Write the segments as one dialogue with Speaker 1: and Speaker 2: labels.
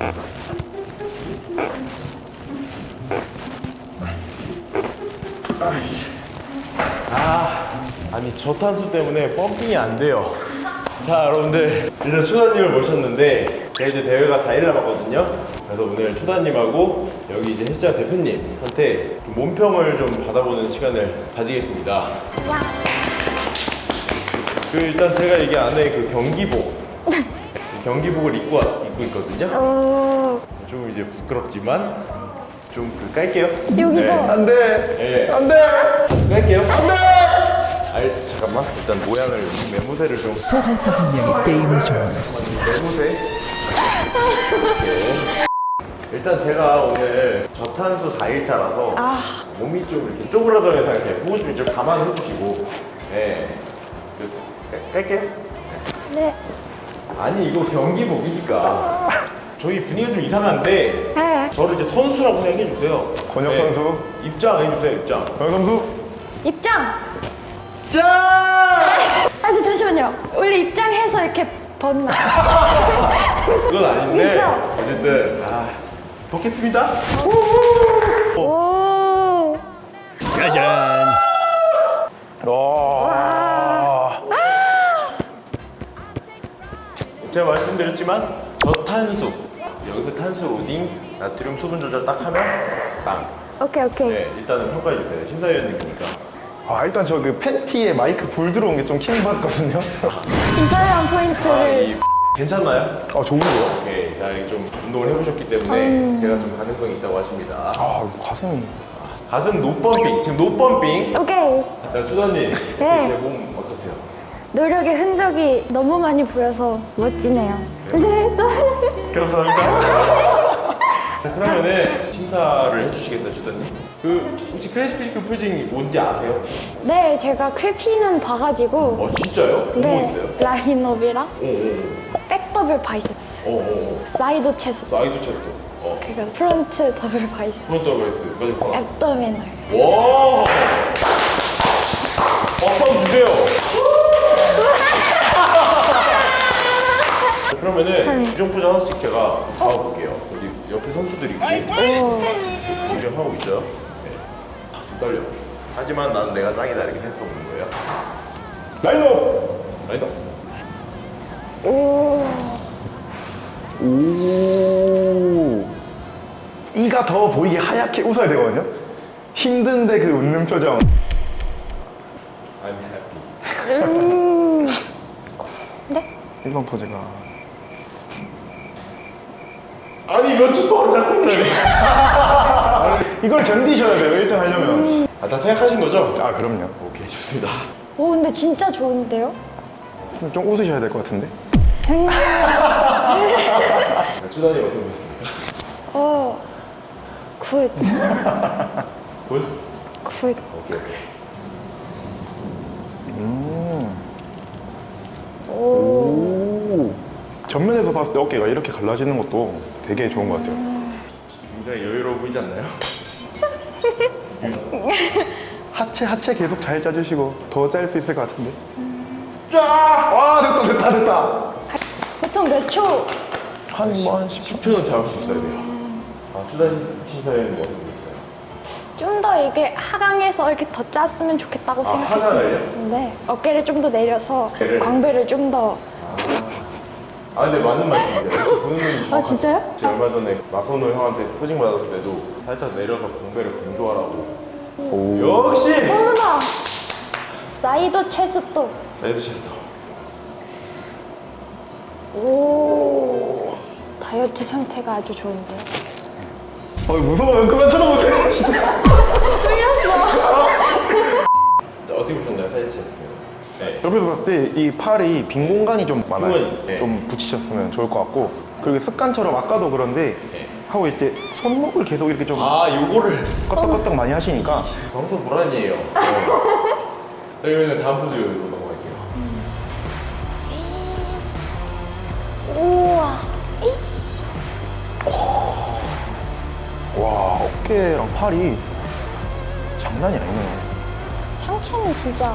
Speaker 1: 아니 저탄수 때문에 펌핑이 안 돼요. 자 여러분들, 일단 초다님을 모셨는데 제가 이제 대회가 4일 남았거든요. 그래서 오늘 초다님하고 여기 이제 헬스장 대표님한테 좀 몸평을 좀 받아보는 시간을 가지겠습니다. 그 일단 제가 이게 안에 그 경기복 경기복을 입고 있거든요. 좀 이제 부끄럽지만 좀 깔게요.
Speaker 2: 여기서?
Speaker 1: 네.
Speaker 3: 안돼.
Speaker 1: 네.
Speaker 3: 안돼.
Speaker 1: 깔게요. 안돼. 잠깐만, 일단 모양을 매무새를 좀.
Speaker 4: 소환사 한 명이 게임을 종료했습니다.
Speaker 1: 매무새. 이렇게. 일단 제가 오늘 저탄수 4일차라서 몸이 좀 이렇게 쪼그라드는 상태. 보고 싶으면 좀 감안해 주시고. 네. 깔게요.
Speaker 2: 네.
Speaker 1: 아니 이거 경기복이니까 저희 분위기가 좀 이상한데
Speaker 2: 네.
Speaker 1: 저를 이제 선수라고 생각해 주세요.
Speaker 3: 권혁 선수.
Speaker 1: 입장 해주세요. 입장.
Speaker 3: 권혁 선수.
Speaker 2: 입장!
Speaker 1: 짠!
Speaker 2: 근데 잠시만요. 원래 입장해서 이렇게 벗나?
Speaker 1: 그건 아닌데
Speaker 2: 그죠?
Speaker 1: 어쨌든 벗겠습니다.
Speaker 2: 오.
Speaker 3: 짜잔. 와.
Speaker 1: 제가 말씀드렸지만 저탄수, 여기서 탄수 로딩, 나트륨 수분 조절 딱 하면 빵.
Speaker 2: 오케이.
Speaker 1: 네, 일단은 평가해 주세요. 심사위원님이니까.
Speaker 3: 일단 저 그 팬티에 마이크 불 들어온 게 좀 킹받거든요.
Speaker 2: 이상한 포인트를.
Speaker 1: 괜찮나요?
Speaker 3: 좋은데요?
Speaker 1: 오케이. 자, 이게 좀 운동을 해보셨기 때문에 제가 좀 가능성이 있다고 하십니다.
Speaker 3: 가슴이.
Speaker 1: 가슴 노펌핑, 지금 노펌핑.
Speaker 2: 오케이.
Speaker 1: 자, 추다님,
Speaker 2: 네.
Speaker 1: 제 몸 어떠세요?
Speaker 2: 노력의 흔적이 너무 많이 보여서 멋지네요. 네.
Speaker 1: 감사합니다. 자, 그러면은 심사를 해주시겠어요, 주단님? 혹시 클래식 피지컬 포징이 뭔지 아세요?
Speaker 2: 네, 제가 클피는 봐가지고.
Speaker 1: 진짜요? 뭐
Speaker 2: 네.
Speaker 1: 있어요?
Speaker 2: 라인업이랑
Speaker 1: 오.
Speaker 2: 백더블 바이셉스,
Speaker 1: 오.
Speaker 2: 사이드 체스트,
Speaker 1: 사이드 체스트.
Speaker 2: 그리고 프론트 더블 바이셉스,
Speaker 1: 프론트 베이스. 맞아.
Speaker 2: 앱도미널.
Speaker 1: 와. 박수 한번 주세요. 그러면은 규정 포즈 하나씩 제가 잡아볼게요. 우리 옆에 선수들이 규정하고 있죠. 네. 좀 떨려. 하지만 난 내가 짱이다 이렇게 생각하고 있는 거예요.
Speaker 3: 라인업.
Speaker 1: 아니다.
Speaker 3: 오. 이가 더 보이게 하얗게 웃어야 되거든요. 힘든데 그 웃는 표정.
Speaker 1: I'm happy.
Speaker 2: 네?
Speaker 3: 1번 포즈가.
Speaker 1: 아니 몇 주 동안 잡고 있어야 돼.
Speaker 3: 이걸 견디셔야 돼요. 1등 하려면.
Speaker 1: 다 생각하신 거죠?
Speaker 3: 그럼요.
Speaker 1: 오케이, 좋습니다.
Speaker 2: 오, 근데 진짜 좋은데요?
Speaker 3: 좀 웃으셔야 될 것 같은데.
Speaker 1: 주단이 어떻게 보셨습니까?
Speaker 2: 굿.
Speaker 1: 굿?
Speaker 2: 굿.
Speaker 1: 오케이.
Speaker 3: 오. 전면에서 봤을 때 어깨가 이렇게 갈라지는 것도 되게 좋은 것 같아요.
Speaker 1: 굉장히 여유로워 보이지 않나요?
Speaker 3: 하체 계속 잘 짜주시고 더 짤 수 있을 것 같은데. 와, 됐다.
Speaker 2: 보통 몇 초?
Speaker 3: 한
Speaker 1: 10초는 잡을 수 있어야 돼요. 주단 심사위원님 어떻게 보셨어요?
Speaker 2: 좀 더 이게 하강해서 이렇게 더 짰으면 좋겠다고 생각했어요.
Speaker 1: 하강을요?
Speaker 2: 네, 어깨를 좀 더 내려서
Speaker 1: 어깨를?
Speaker 2: 광배를 좀 더.
Speaker 1: 근데 맞는 말씀이세요. 역시 보는 눈이 정확하죠.
Speaker 2: 진짜요?
Speaker 1: 제가 얼마 전에 마선호 형한테 포징 받았을 때도 살짝 내려서 공배를 강조하라고. 역시!
Speaker 2: 어머나! 사이드 체스트.
Speaker 1: 사이드 체스터.
Speaker 2: 오, 다이어트 상태가 아주 좋은데요?
Speaker 3: 무서워요. 그만 쳐다보세요. 진짜.
Speaker 2: 뚫렸어.
Speaker 1: 어떻게 보셨나요, 사이드 체스터? 네.
Speaker 3: 옆에서 봤을 때 이 팔이 빈 공간이 좀 많아요.
Speaker 1: 공간이 있어요.
Speaker 3: 좀 붙이셨으면 좋을 것 같고, 그리고 습관처럼 아까도 그런데
Speaker 1: 네.
Speaker 3: 하고 이제 손목을 계속 이렇게 좀
Speaker 1: 요거를
Speaker 3: 껐덕껐덕 많이 하시니까
Speaker 1: 정석 보란이에요. 그러면 다음 포즈로 넘어갈게요.
Speaker 2: 우와.
Speaker 3: 와, 어깨랑 팔이 장난이 아니네.
Speaker 2: 상체는 진짜.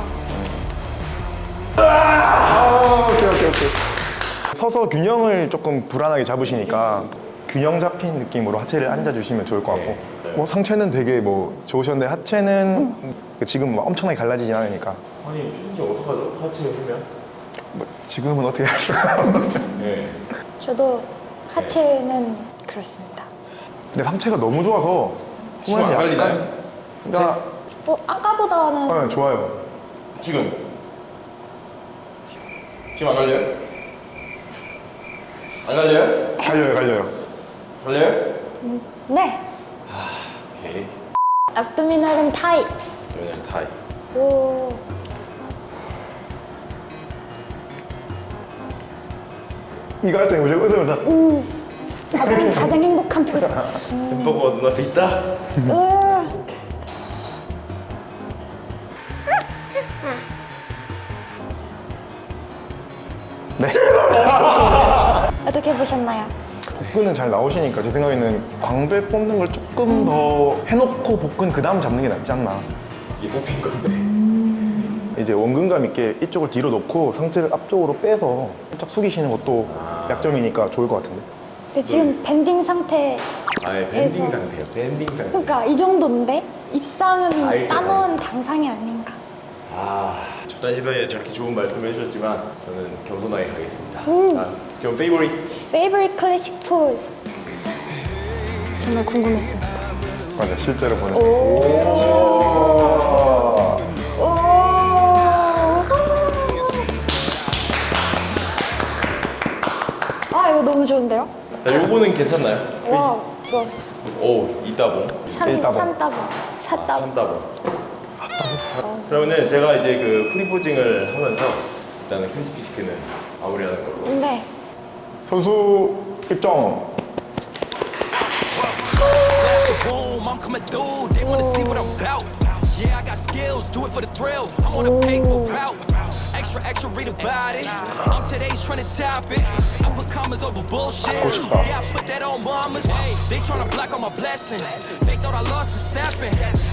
Speaker 3: 오케이. 서서 균형을 조금 불안하게 잡으시니까 균형 잡힌 느낌으로 하체를 앉아주시면 좋을 것 같고
Speaker 1: 네.
Speaker 3: 뭐 상체는 되게 뭐 좋으셨는데 하체는 지금 뭐 엄청나게 갈라지진 않으니까
Speaker 1: 아니 최준 씨 어떡하죠? 하체에 쓰면?
Speaker 3: 뭐 지금은 어떻게 할 수가 없는데
Speaker 1: 네.
Speaker 2: 저도 하체는 그렇습니다.
Speaker 3: 근데 상체가 너무 좋아서
Speaker 1: 지금 안 갈리나요?
Speaker 3: 그러니까
Speaker 2: 아까보다는
Speaker 3: 네, 좋아요.
Speaker 1: 지금 안 갈려요? 안 갈려요?
Speaker 3: 갈려요.
Speaker 1: 갈려요?
Speaker 2: 네.
Speaker 1: 오케이.
Speaker 2: abdominal은 타이.
Speaker 1: 그러면 타이.
Speaker 2: 오.
Speaker 3: 이거 할 때 무조건 웃으면서
Speaker 2: 가장 행복한 표정.
Speaker 1: 햄버거가 눈앞에 있다?
Speaker 3: 네.
Speaker 2: 어떻게 보셨나요?
Speaker 3: 복근은 잘 나오시니까 제 생각에는 광배 뽑는 걸 조금 더 해놓고 복근 그 다음 잡는 게 낫지 않나.
Speaker 1: 이게 뽑힌 건데.
Speaker 3: 이제 원근감 있게 이쪽을 뒤로 놓고 상체를 앞쪽으로 빼서 살짝 숙이시는 것도 약점이니까 좋을 것 같은데.
Speaker 2: 근데 지금 밴딩 상태.
Speaker 1: 아예 밴딩 상태예요. 밴딩 상태.
Speaker 2: 그러니까 이 정도인데 입상은
Speaker 1: 알죠,
Speaker 2: 따놓은
Speaker 1: 알죠.
Speaker 2: 당상이 아닌가.
Speaker 1: 조단 시사에 저렇게 좋은 말씀을 해주셨지만 저는 겸손하게 가겠습니다. 자, 그럼 페이보릿.
Speaker 2: Favorite classic pose. 정말 궁금했습니다.
Speaker 3: 맞아, 실제로 보는.
Speaker 2: 아 이거 너무 좋은데요?
Speaker 1: 자, 요거는 괜찮나요?
Speaker 2: 와 좋았어.
Speaker 1: 오, 이따봉.
Speaker 3: 일따봉.
Speaker 2: 산따봉. 사따봉.
Speaker 1: 삼따봉. 그러면은 제가 이제 그 프리포징을 하면서 일단은 크리스피 치킨은 마무리하는 걸로.
Speaker 2: 네.
Speaker 3: 선수 입장.
Speaker 5: Boom, I'm coming through. They wanna see what I'm about. Yeah, I got skills, do it for the thrill. I'm on a paper route. Extra, extra, read about it. I'm today's trying to top it. I put commas over bullshit. Yeah, I put that on mamas. They tryna block all my blessings. They thought I lost for stepping.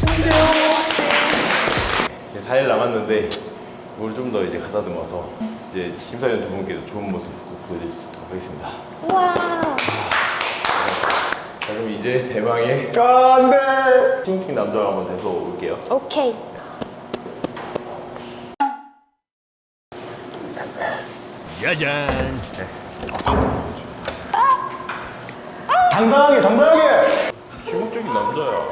Speaker 1: 4일 남았는데 이걸 좀 더 이제 가다듬어서 이제 심사위원 두 분께도 좋은 모습 꼭 보여드릴 수 있도록 하겠습니다.
Speaker 2: 와.
Speaker 1: 자, 그럼 이제 대망의
Speaker 3: 안 돼!
Speaker 1: 팀팀 남자가 한번 돼서 올게요.
Speaker 2: 오케이.
Speaker 3: 당당하게!
Speaker 1: 주목적인 남자야.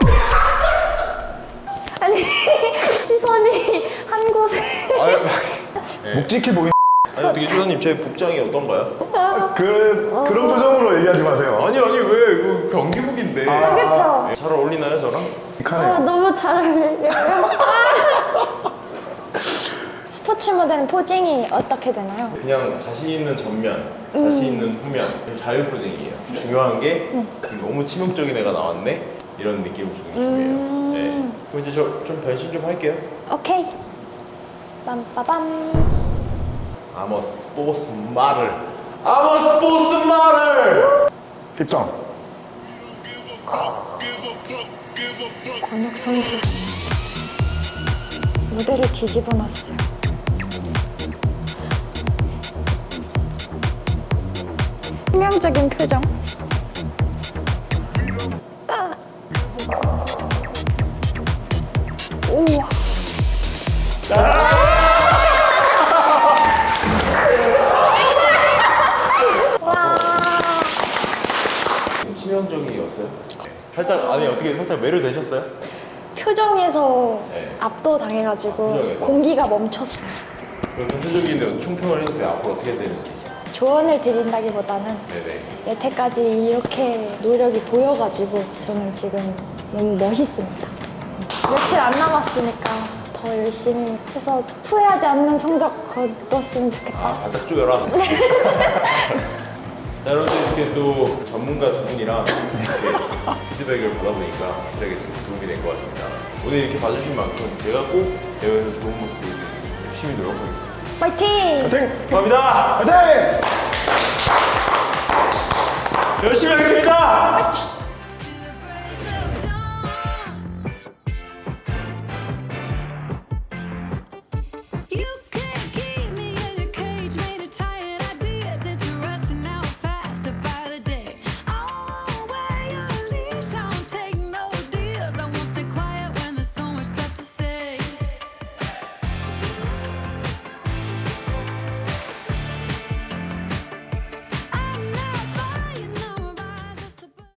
Speaker 2: 아니 시선이 한 곳에.
Speaker 3: 묵직해 보이는.
Speaker 1: 아니 어떻게 조사님 제 복장이 어떤가요?
Speaker 3: 그런 표정으로 얘기하지 마세요.
Speaker 1: 아니 왜 이거 경기복인데.
Speaker 2: 그렇죠.
Speaker 1: 잘 어울리나요 저랑?
Speaker 2: 너무 잘 어울려요. 스포츠 모델은 포징이 어떻게 되나요?
Speaker 1: 그냥 자신 있는 전면, 자신 있는 후면, 자유 포징이에요. 중요한 게 너무 치명적인 애가 나왔네 이런 느낌을 주는 게 중요해요. 네. 그럼 이제 저 좀 변신 좀 할게요.
Speaker 2: 오케이. 빰빠밤.
Speaker 1: I'm a sports model. I'm a sports model.
Speaker 3: 입장.
Speaker 2: 권혁 선수 무대를 뒤집어 놨어요. 치명적인 표정. 우와.
Speaker 1: 치명적이었어요? 살짝 아니 어떻게 살짝 매료되셨어요?
Speaker 2: 표정에서
Speaker 1: 네.
Speaker 2: 압도당해가지고
Speaker 1: 표정에서?
Speaker 2: 공기가 멈췄어요.
Speaker 1: 그럼 전체적인 총평을 해주세요. 앞으로 어떻게 되는지.
Speaker 2: 조언을 드린다기보다는
Speaker 1: 네네.
Speaker 2: 여태까지 이렇게 노력이 보여가지고 저는 지금 너무 멋있습니다. 며칠 안 남았으니까 더 열심히 해서 후회하지 않는 성적 거뒀으면 좋겠다.
Speaker 1: 바짝 쪼여라. 자, 여러분들 이렇게 또 전문가 두 분이랑 이렇게 피드백을 받아보니까 확실하게 좀 도움이 된 것 같습니다. 오늘 이렇게 봐주신 만큼 제가 꼭 대회에서 좋은 모습 보여드리고 열심히 노력하겠습니다.
Speaker 2: 파이팅!
Speaker 1: 감사합니다.
Speaker 3: 화이팅!
Speaker 1: 열심히 하겠습니다.